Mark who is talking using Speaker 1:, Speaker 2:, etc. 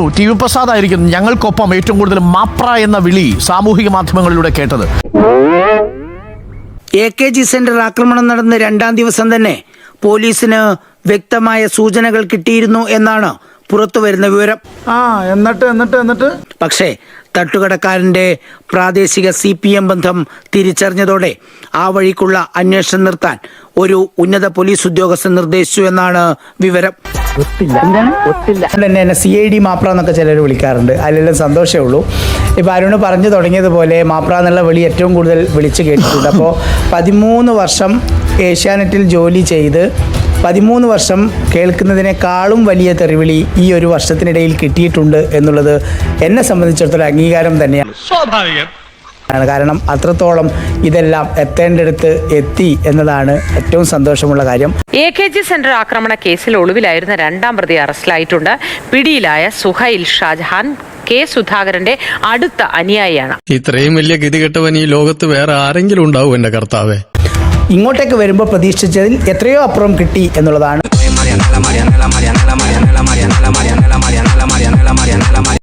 Speaker 1: T V Prasad ആയിരിക്കും ഞങ്ങൾക്കൊപ്പം ഏറ്റവും കൂടുതൽ മാപ്ര എന്ന വിളി സാമൂഹിക മാധ്യമങ്ങളിലൂടെ കേട്ടത്.
Speaker 2: AKG സെന്റർ ആക്രമണം നടന്ന 2ാം ദിവസം തന്നെ പോലീസിന് വ്യക്തമായ സൂചനകൾ കിട്ടിയിരുന്നു എന്നാണ് പുറത്തു വരുന്ന വിവരം.
Speaker 3: എന്നിട്ട്
Speaker 2: പക്ഷേ തട്ടുകടക്കാരന്റെ പ്രാദേശിക CPM ബന്ധം തിരിച്ചറിഞ്ഞതോടെ ആ വഴിക്കുള്ള അന്വേഷണം നിർത്താൻ ഒരു ഉന്നത പോലീസ് ഉദ്യോഗസ്ഥൻ നിർദ്ദേശിച്ചു എന്നാണ് വിവരം.
Speaker 3: എന്നെ CID മാപ്ര എന്നൊക്കെ ചിലർ വിളിക്കാറുണ്ട്. അതിലെല്ലാം സന്തോഷമേ ഉള്ളൂ. ഇപ്പോൾ അരുണ് പറഞ്ഞു തുടങ്ങിയതുപോലെ മാപ്ര എന്നുള്ള വിളി ഏറ്റവും കൂടുതൽ വിളിച്ച് കേട്ടിട്ടുണ്ട്. അപ്പോൾ 13 വർഷം ഏഷ്യാനെറ്റിൽ ജോലി ചെയ്ത് 13 വർഷം കേൾക്കുന്നതിനേക്കാളും വലിയ തെറിവിളി ഈ ഒരു വർഷത്തിനിടയിൽ കിട്ടിയിട്ടുണ്ട് എന്നുള്ളത് എന്നെ സംബന്ധിച്ചിടത്തോളം അംഗീകാരം തന്നെയാണ്. കാരണം അത്രത്തോളം ഇതെല്ലാം എത്തേണ്ടടുത്ത് എത്തി എന്നതാണ് ഏറ്റവും സന്തോഷമുള്ള കാര്യം.
Speaker 4: AKG സെന്റർ ആക്രമണ കേസിൽ ഒളിവിലായിരുന്ന 2ാം പ്രതി അറസ്റ്റിലായിട്ടുണ്ട്. പിടിയിലായ സുഹൈൽ ഷാജഹാൻ K. സുധാകരന്റെ അടുത്ത അനുയായിയാണ്.
Speaker 5: ഇത്രയും വലിയ ഗതികെട്ടവൻ ഈ ലോകത്ത് വേറെ ആരെങ്കിലും ഉണ്ടാവും എന്റെ കർത്താവേ.
Speaker 3: ഇങ്ങോട്ടേക്ക് വരുമ്പോൾ പ്രതീക്ഷിച്ചതിൽ എത്രയോ അപ്പുറം കിട്ടി എന്നുള്ളതാണ്.